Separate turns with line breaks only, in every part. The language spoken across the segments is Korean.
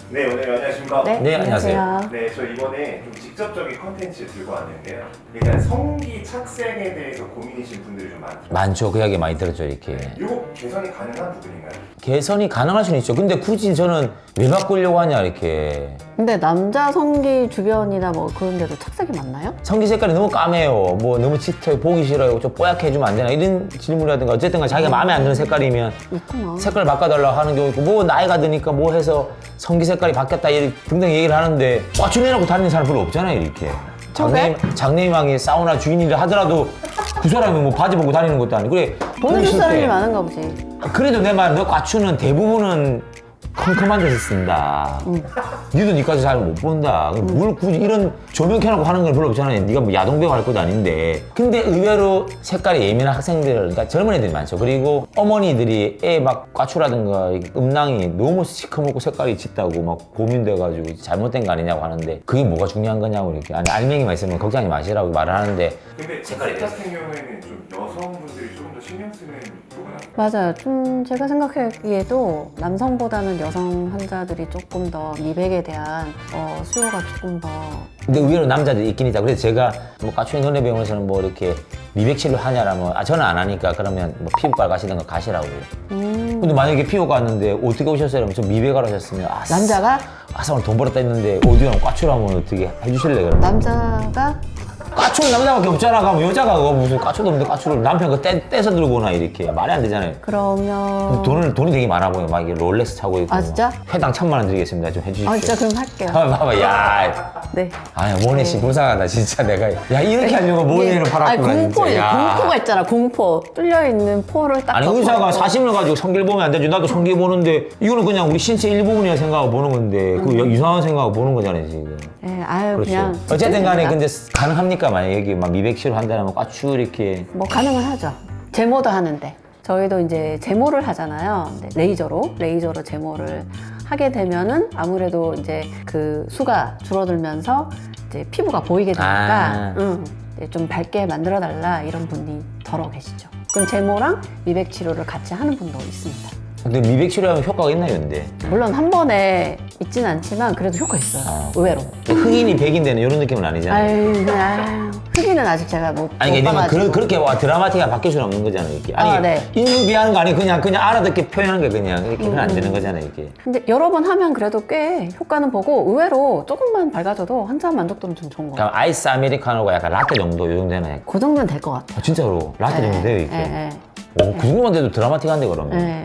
네, 오늘 안녕하십니까?
네, 안녕하세요.
네, 저 이번에 좀 직접적인 컨텐츠 들고 왔는데요. 일단 성기 착색에 대해서 고민이신 분들이 좀 많더라고요.
많죠. 그 이야기 많이 들었죠, 이렇게.
이거 개선이 가능한 부분인가요?
개선이 가능할 수는 있죠. 근데 굳이 저는 왜 바꾸려고 하냐, 이렇게.
근데 남자 성기 주변이나 뭐 그런 데도 착색이 많나요?
성기 색깔이 너무 까매요. 뭐 너무 짙어요. 보기 싫어요. 좀 뽀얗게 해주면 안 되나? 이런 질문이라든가 어쨌든 자기가 마음에 안 드는 색깔이면
있구나.
색깔 바꿔달라고 하는 경우 있고, 뭐 나이가 드니까 뭐 해서 성기 색깔이 바뀌었다 이렇게 등등 얘기를 하는데 꽈추내놓고 다니는 사람 별로 없잖아요, 이렇게. 장래희망이 사우나 주인이라 하더라도 그 사람이 뭐 바지 벗고 다니는 것도 아니고 그래.
보내줄 사람이 많은가 보지.
그래도 내 말, 너 꽈추는 대부분은 컴컴한 데서 쓴다. 니도 니까지 잘 못 본다. 뭘 굳이 이런 조명 켜놓고 하는 건 별로 없잖아요. 니가 뭐 야동배우 할 것도 아닌데. 근데 의외로 색깔이 예민한 학생들, 그러니까 젊은 애들이 많죠. 그리고 어머니들이 애 막 꽈추라든가 음낭이 너무 시커멓고 색깔이 짙다고 막 고민돼가지고 잘못된 거 아니냐고 하는데 그게 뭐가 중요한 거냐고 이렇게. 아니, 알맹이만 있으면 걱정하지 마시라고 말을 하는데.
근데 색깔 같은 경우에는 좀 여성분들이 조금 더 신경 쓰는 부분 아닌가요?
맞아요. 좀 제가 생각하기에도 남성보다는 여성 환자들이 조금 더 미백에 대한 수요가 조금 더.
근데 의외로 남자들이 있긴 있다. 그래서 제가 뭐 까추의 너네 병원에서는 뭐 이렇게 미백 치료 하냐라면 저는 안 하니까 그러면 뭐 피부과 가시던가 가시라고. 근데 만약에 피부과 갔는데 어떻게 오셨어요? 그러면 저 미백하러 오셨으면
남자가?
오늘 돈 벌었다 했는데 어디랑 까추로 하면 어떻게 해주실래 그러면?
남자가?
까추는 남자밖에 없잖아. 그럼 여자가 그거 무슨 까추도 없는데 까추를 남편 거 떼서 들고 오나 이렇게 말이 안 되잖아요.
그러면
돈이 되게 많아 보여. 막 이게 롤렉스 차고 있고.
아, 진짜?
회당 1,000만 원 드리겠습니다. 좀 해주십시오.
진짜 그럼 할게요.
봐봐, 야.
네.
아니, 모네 씨 불쌍하다, 진짜 내가. 야, 이렇게 하려고 모네를 팔았구나, 진짜.
공포가 있잖아, 공포. 뚫려있는 포를 딱.
아니, 의사가 사심을 가지고 성기를 보면 안 되지. 나도 성기 보는데, 이거는 그냥 우리 신체 일부분이라 생각하고 보는 건데, 그 이상한 생각하고 보는 거잖아요, 지금.
네, 아유,
그렇죠.
그냥.
어쨌든 간에 근데 가능합니까? 만약에 여기 막 미백 치료 한다면 꽈추 이렇게.
뭐 가능은 하죠. 제모도 하는데. 저희도 이제 제모를 하잖아요. 레이저로 제모를 하게 되면은 아무래도 이제 그 수가 줄어들면서 이제 피부가 보이게 되니까 이제 좀 밝게 만들어 달라 이런 분이 더러 계시죠. 그럼 제모랑 미백 치료를 같이 하는 분도 있습니다.
근데 미백 치료하면 효과가 있나요, 근데?
물론 한 번에 있진 않지만 그래도 효과 있어요. 의외로.
흑인이 백인되는 이런 느낌은 아니잖아요.
아유, 흑인은 아직 제가 못
아니, 그러니까
봐가지고.
그렇게 와 드라마틱하게 바뀔 수는 없는 거잖아요, 이렇게. 아니,
네.
인증비하는 거 아니고 그냥 알아듣게 표현하는 게 그냥 이렇게 그건 안 되는 거잖아요, 이게.
근데 여러 번 하면 그래도 꽤 효과는 보고 의외로 조금만 밝아져도 환자 만족도는 좀 좋은 것 같아요.
그럼 아이스 아메리카노가 약간 라떼 정도 요 정도 되나요?
그 정도는 될 것 같아요.
진짜로 라떼 정도 돼요, 이게.
네.
오, 그 정도만 돼도 드라마틱한데 그러면.
네.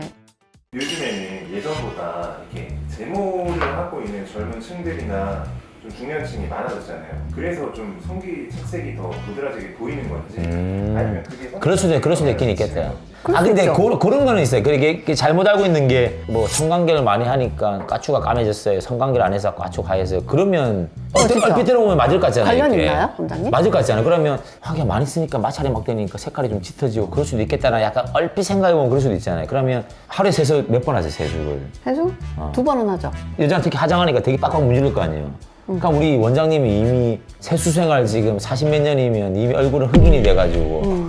요즘에는 예전보다 이렇게 제모를 하고 있는 젊은 층들이나 좀 중년층이 많아졌잖아요. 그래서 좀 성기 착색이 더 도드라지게 보이는 건지 아니면 그게
그럴 수도 있긴 있겠다.
그럴 수
근데
있죠.
그런 거는 있어요. 이게 잘못 알고 있는 게 뭐 성관계를 많이 하니까 까추가 까매졌어요. 성관계를 안 해서 까추가 하얘서요. 그러면
진짜.
얼핏 들어보면 맞을 것 같잖아요.
관련
이렇게.
있나요, 원장님?
맞을 것 같잖아요. 그러면 하기가 많이 쓰니까 마찰이 막 되니까 색깔이 좀 짙어지고 그럴 수도 있겠다나 약간 얼핏 생각해보면 그럴 수도 있잖아요. 그러면 하루에 세수 몇 번 하세요, 세수를?
해수? 2번은 하죠.
여자는 특히 화장하니까 되게 빡빡 문지를 거 아니에요. 그러니까 우리 원장님이 이미 세수 생활 지금 40몇 년이면 이미 얼굴은 흑인이 돼가지고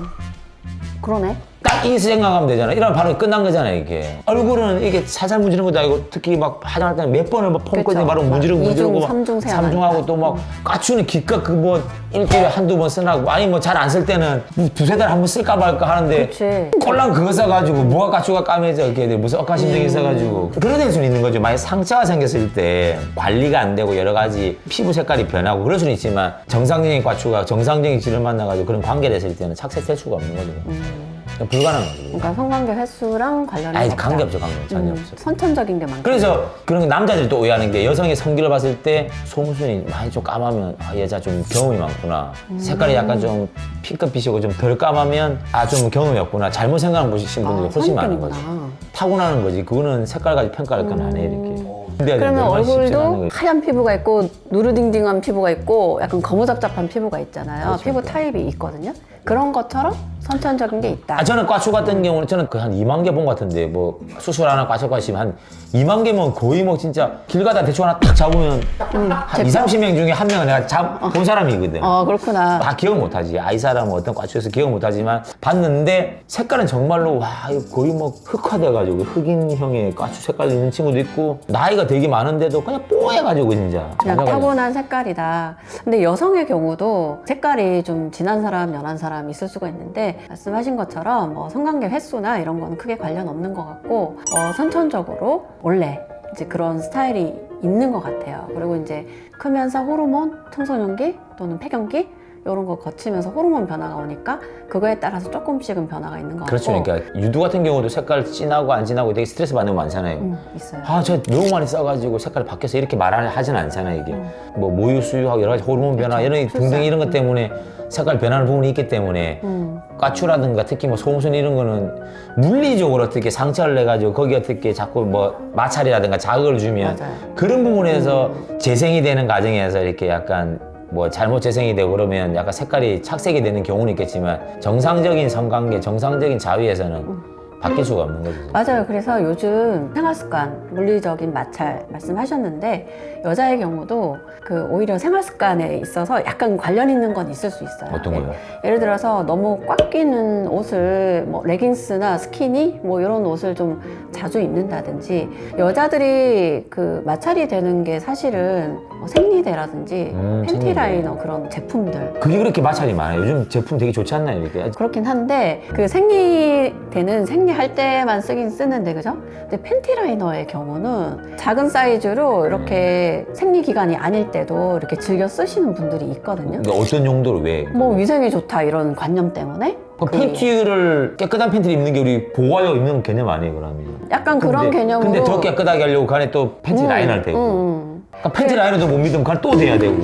그러네.
딱 이 생각하면 되잖아. 이러면 바로 끝난 거잖아요, 이게. 얼굴은 이게 살살 문지르는 것도 아니고 특히 막 화장할 때는 몇 번을 막 펌거든요.
그쵸.
바로 문지르고 문지르고 막
2중, 3중 세안
삼중하고 또 막 까추는 기껏 그 뭐 일주일에 한두 번 쓰라고 아니 뭐 잘 안 쓸 때는 뭐 두세 달 한 번 쓸까 말까 하는데
그치.
꼴랑 그거 써가지고 뭐가 까추가 까매져 이렇게 무슨 억하심정이 있어가지고 그런 될 수는 있는 거죠. 만약 상처가 생겼을 때 관리가 안 되고 여러 가지 피부 색깔이 변하고 그럴 수는 있지만 정상적인 까추가 정상적인 질을 만나가지고 그런 관계를 했을 때는 착색될 수가 없는 거죠. 불가능한 거죠.
그러니까 성관계 횟수랑 관련이
아니
없다.
관계 없죠, 전혀 없어.
선천적인 게 많고.
그래서 그런 게 남자들이 또 오해하는 게 여성의 성기를 봤을 때 속눈썹이 많이 좀 까마면 아 여자 좀 경험이 많구나. 색깔이 약간 좀 핑크빛이고 좀 덜 까마면 아 좀 경험이 없구나. 잘못 생각하는 보신 분들이 훨씬 많은 거죠. 타고나는 거지. 그거는 색깔 가지고 평가할 건 아니에요, 이렇게.
그러면
얼마나 쉽지 않은
얼굴도
거지.
하얀 피부가 있고 누르딩딩한 피부가 있고 약간 거무잡잡한 피부가 있잖아요.
그렇죠,
피부
그렇죠.
타입이 있거든요. 그런 것처럼 선천적인 게 있다.
저는 과추 같은 경우는 저는 그 한 2만 개 본 것 같은데 뭐 수술 하나 과추 과시면 한 2만 개면 거의 뭐 진짜 길 가다 대충 하나 딱 잡으면 한 2, 30명 중에 한 명은 내가 본 사람이거든.
그렇구나.
다 기억 못하지. 아이 사람은 어떤 과추에서 기억 못하지만 봤는데 색깔은 정말로 와 이거 거의 뭐 흑화돼가지고 흑인형의 과추 색깔 있는 친구도 있고 나이가 되게 많은데도 그냥 뽀해가지고 진짜.
그냥 타고난 색깔이다. 근데 여성의 경우도 색깔이 좀 진한 사람, 연한 사람 있을 수가 있는데 말씀하신 것처럼 뭐 성관계 횟수나 이런 거는 크게 관련 없는 것 같고 선천적으로 원래 이제 그런 스타일이 있는 것 같아요. 그리고 이제 크면서 호르몬, 청소년기 또는 폐경기 이런 거 거치면서 호르몬 변화가 오니까 그거에 따라서 조금씩은 변화가 있는 것
그렇죠.
같고.
그러니까 유두 같은 경우도 색깔 진하고 안 진하고 되게 스트레스 받는 거 많잖아요.
있어요.
저 너무 많이 써가지고 색깔이 바뀌어서 이렇게 하진 않잖아요. 이게 뭐 모유 수유하고 여러 가지 호르몬 변화
그렇죠.
이런 등등 이런 것 때문에 색깔 변하는 부분이 있기 때문에 과추라든가 특히 뭐 소음순 이런 거는 물리적으로 어떻게 상처를 내가지고 거기 어떻게 자꾸 뭐 마찰이라든가 자극을 주면
맞아요.
그런 부분에서 재생이 되는 과정에서 이렇게 약간 뭐 잘못 재생이 되고 그러면 약간 색깔이 착색이 되는 경우는 있겠지만 정상적인 성관계, 정상적인 자위에서는 바뀔 수가 없는 거죠.
맞아요. 그래서 요즘 생활습관, 물리적인 마찰 말씀하셨는데 여자의 경우도 그 오히려 생활습관에 있어서 약간 관련 있는 건 있을 수 있어요.
어떤 거요?
예를 들어서 너무 꽉 끼는 옷을 뭐 레깅스나 스키니 뭐 이런 옷을 좀 자주 입는다든지 여자들이 그 마찰이 되는 게 사실은 뭐 생리대라든지 팬티
생리대.
라이너 그런 제품들
그게 그렇게 마찰이 많아요. 요즘 제품 되게 좋지 않나요? 이렇게.
그렇긴 한데 그 생리대는 생리할 때만 쓰긴 쓰는데 그죠? 근데 팬티 라이너의 경우는 작은 사이즈로 이렇게 생리 기간이 아닐 때도 이렇게 즐겨 쓰시는 분들이 있거든요.
그러니까 어떤 용도로 왜?
뭐 위생이 좋다 이런 관념 때문에
그 팬티를 깨끗한 팬티를 입는 게 우리 보호하여 입는 개념 아니에요, 그러면?
약간 그런 개념으로
근데 더 깨끗하게 하려고 간에 또 팬티 라인을 대고. 그러니까 팬티 라인도 못 믿으면 간에 또 대야 되고.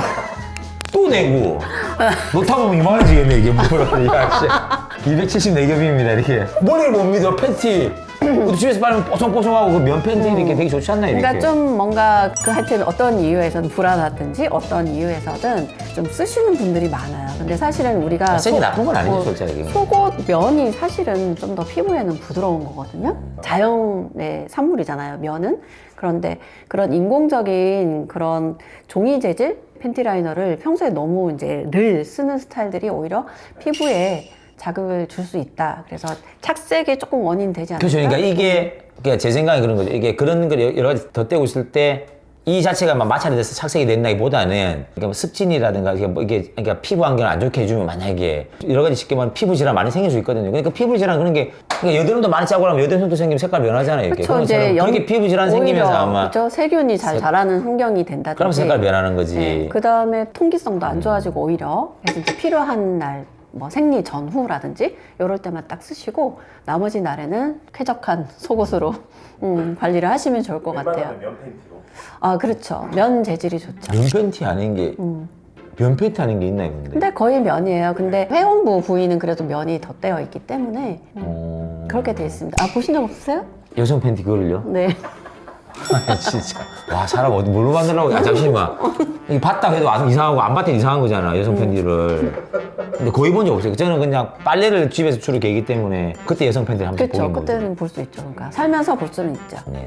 또 대고. 놓다 보면 이만해지겠네, 이게. 뭐야, 274겹입니다, 이렇게. 머리를 못 믿어, 팬티. 집에서 빨면 뽀송뽀송하고 그 면 팬티 이렇게 되게 좋지 않나요, 이렇게?
그러니까 좀 뭔가 그 하여튼 어떤 이유에서든 불안하든지 어떤 이유에서든 좀 쓰시는 분들이 많아요. 근데 사실은 우리가
색이 나쁜 건 아니죠,
뭐
솔직히.
속옷 면이 사실은 좀 더 피부에는 부드러운 거거든요. 자연의 산물이잖아요, 면은. 그런데 그런 인공적인 그런 종이 재질 팬티 라이너를 평소에 너무 이제 늘 쓰는 스타일들이 오히려 피부에 자극을 줄 수 있다. 그래서 착색에 조금 원인 되지 않을까?
그렇죠. 그러니까 이게 그러니까 제 생각에 그런 거죠. 이게 그런 걸 여러 가지 덧대고 있을 때 이 자체가 막 마찰이 돼서 착색이 된다기보다는 그러니까 뭐 습진이라든가 이게 그러니까 피부 환경을 안 좋게 해주면 만약에 여러 가지 쉽게 말하면 피부 질환 많이 생길 수 있거든요. 그러니까 피부 질환 그런 게 그러니까 여드름도 많이 짜고 하면 여드름도 생기면 색깔 변하잖아요. 이렇게.
그렇죠. 이제
그렇게 피부 질환 생기면서 아마
그렇죠. 세균이 잘 자라는 환경이 된다든지.
그럼 색깔 변하는 거지.
네. 그 다음에 통기성도 안 좋아지고 오히려 그래서 이제 필요한 날. 뭐 생리 전후라든지 이럴 때만 딱 쓰시고 나머지 날에는 쾌적한 속옷으로 관리를 하시면 좋을 것 같아요.
웬만하면 면 팬티로.
아 그렇죠. 면 재질이 좋죠.
면 팬티 아닌 게 면 팬티 아닌 게 있나요, 근데?
근데 거의 면이에요. 근데 회원부 부위는 그래도 면이 덧대어 있기 때문에 그렇게 돼 있습니다. 아 보신 적 없으세요?
여성 팬티 그걸요?
네.
아, 진짜. 와, 사람 어디 뭘로 만들라고. 야, 잠시만. 이게 봤다 해도 이상하고 안 봤다 이상한 거잖아, 여성 팬티를. 근데 거의 본 적 없어요. 저는 그냥 빨래를 집에서 주로 개기 때문에 그때 여성 팬티를 한번
그렇죠.
보긴 보죠.
그때는 볼 수 있죠. 그러니까 살면서 볼 수는 있죠.
네.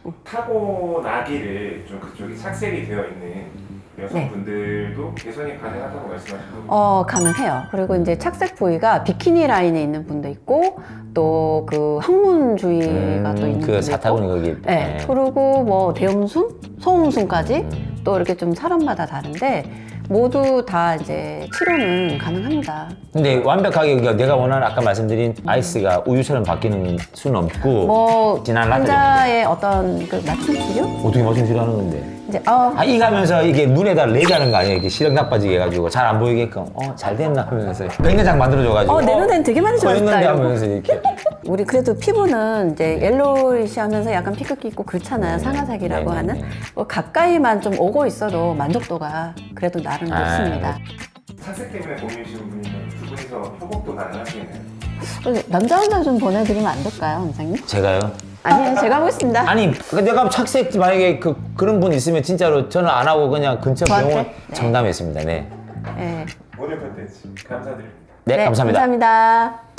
타고나기를 좀 그쪽이 착색이 되어 있는 여성분들도 개선이 가능하다고 말씀하시고
가능해요. 그리고 이제 착색 부위가 비키니 라인에 있는 분도 있고 또 그 항문주의가 또 있는 분도
그 사타구니
있고.
거기.
네. 그리고 뭐 대음순, 소음순까지 또 이렇게 좀 사람마다 다른데 모두 다 이제 치료는 가능합니다.
근데 완벽하게 내가 원하는 아까 말씀드린 아이스가 우유처럼 바뀌는 수는 없고
뭐
진한 라떼
환자의 어떤 그 맞춤 치료?
어떻게 맞춤 치료하는 건데?
이제
이 가면서 이게 눈에다 레이하는 거 아니에요? 이렇게 시력 나빠지게 해가지고 잘 안 보이게끔 잘 됐나 하면서 백내장 만들어줘가지고
내 눈엔 되게 많이 좋아졌다.
했는데
이러고.
하면서 이렇게
우리 그래도 피부는 이제 옐로이시 하면서 약간 피크기 있고 그렇잖아요. 상아색이라고
네네네.
하는. 뭐 가까이만 좀 오고 있어도 만족도가 그래도 나름 좋습니다.
착색 때문에 고민이신 분이면 두 분이서 협업도 가능하시겠네요.
남자 환자 좀 보내드리면 안 될까요, 원장님?
제가요?
아니요, 제가 하고 있습니다.
아니 내가 착색 만약에 그런 분 있으면 진짜로 저는 안 하고 그냥 근처
저한테?
병원
네.
청담했습니다. 네.
네.
오늘 컨텐츠 감사드립니다.
네, 감사합니다.
감사합니다.